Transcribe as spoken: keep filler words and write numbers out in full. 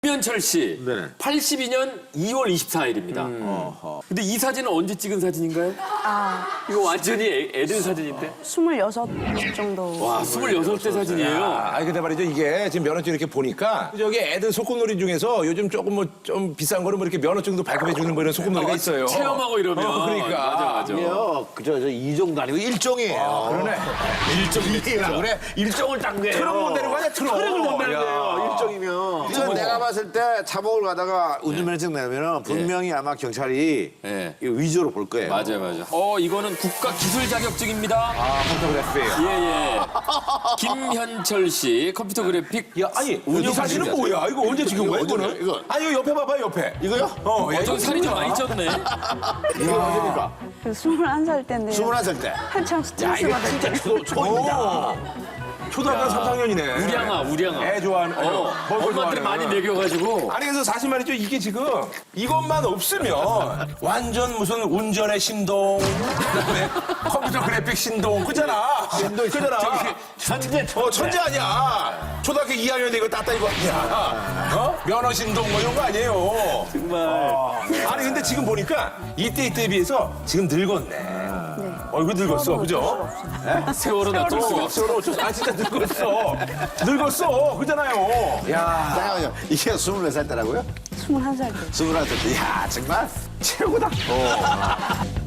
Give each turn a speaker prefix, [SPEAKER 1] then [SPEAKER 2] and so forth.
[SPEAKER 1] 김현철 씨,
[SPEAKER 2] 네네.
[SPEAKER 1] 팔십이 년 이월 이십사일입니다.
[SPEAKER 2] 어허.
[SPEAKER 1] 근데 이 사진은 언제 찍은 사진인가요?
[SPEAKER 3] 아,
[SPEAKER 1] 이거 완전히 애, 애들 사진인데?
[SPEAKER 3] 스물여섯 정도.
[SPEAKER 1] 와, 스물여섯 대 사진이에요.
[SPEAKER 2] 아, 아니 근데 말이죠 이게 지금 면허증 이렇게 보니까 저기 애들 소꿉놀이 중에서 요즘 조금 뭐 좀 비싼 거는 뭐 이렇게 면허증도 발급해 주는 뭐 이런 소꿉놀이가 있어요.
[SPEAKER 1] 체험하고 이러면.
[SPEAKER 2] 어, 그러니까.
[SPEAKER 1] 맞아, 맞아.
[SPEAKER 4] 이게요, 그저 저 이종도 아니고 일종이에요.
[SPEAKER 2] 그러네.
[SPEAKER 4] 일종이라 그래? 일종을 딴 거예요.
[SPEAKER 2] 트럭 못 내는 거 아니야 트럭.
[SPEAKER 4] 트럭을 못 내는
[SPEAKER 2] 야.
[SPEAKER 4] 거예요. 일종이면. 이건 내가 봤을 때 차복을 가다가 운전면허증 내면은 분명히 아마 경찰이
[SPEAKER 1] 예.
[SPEAKER 4] 이거 위조로 볼 거예요.
[SPEAKER 1] 맞아요, 맞아요. 어, 이거는 국가 기술 자격증입니다.
[SPEAKER 2] 아 포토그래피.
[SPEAKER 1] 예, 예. 김현철 씨, 컴퓨터 그래픽.
[SPEAKER 2] 야 아니 이
[SPEAKER 1] 운영
[SPEAKER 2] 사진은
[SPEAKER 1] 관리자.
[SPEAKER 2] 뭐야? 이거 언제 찍은 거야
[SPEAKER 4] 이거,
[SPEAKER 2] 이거는?
[SPEAKER 4] 이거.
[SPEAKER 2] 아니 이거 옆에 봐봐 옆에.
[SPEAKER 4] 이거요?
[SPEAKER 2] 어, 야,
[SPEAKER 1] 어, 저
[SPEAKER 2] 이거
[SPEAKER 1] 살이 좀 많이 쪘네.
[SPEAKER 4] 이게 언제입니까?
[SPEAKER 3] 그 스물한 살 때인데.
[SPEAKER 4] 스물한 살 때.
[SPEAKER 3] 한참
[SPEAKER 4] 야,
[SPEAKER 3] 스트레스
[SPEAKER 4] 이거
[SPEAKER 3] 받을
[SPEAKER 4] 진짜
[SPEAKER 3] 때.
[SPEAKER 4] 초, 초입니다.
[SPEAKER 2] 오. 초등학교 삼, 학년이네.
[SPEAKER 1] 우량아, 우량아.
[SPEAKER 2] 애 좋아하는.
[SPEAKER 1] 어,
[SPEAKER 2] 벌써
[SPEAKER 1] 엄마한테
[SPEAKER 2] 좋아하는.
[SPEAKER 1] 많이 먹여가지고.
[SPEAKER 2] 아니 그래서 사실 말이죠 이게 지금 이것만 없으면 완전 무슨 운전의 신동 그다음에 컴퓨터 그래픽 신동 그잖아 신동 그잖아
[SPEAKER 4] 천재,
[SPEAKER 2] 어 천재 아니야 초등학교 이 학년인데 이거 따따 이거 아니야 어 면허 신동 뭐 이런 거 아니에요
[SPEAKER 1] 정말.
[SPEAKER 2] 아니 근데 지금 보니까 이때 이때에 비해서 지금 늙었네 얼굴 늙었어 그죠
[SPEAKER 1] 세월은 어쩔 수가 없어.
[SPEAKER 2] 세월호 어쩌 아 진짜 늙었어 늙었어 그잖아요 야
[SPEAKER 4] 잠깐만요. 이게 스물네 살 때라고요?
[SPEAKER 3] 스물한 살 때.
[SPEAKER 4] 스물한 살 때. 이야, 정말 최고다.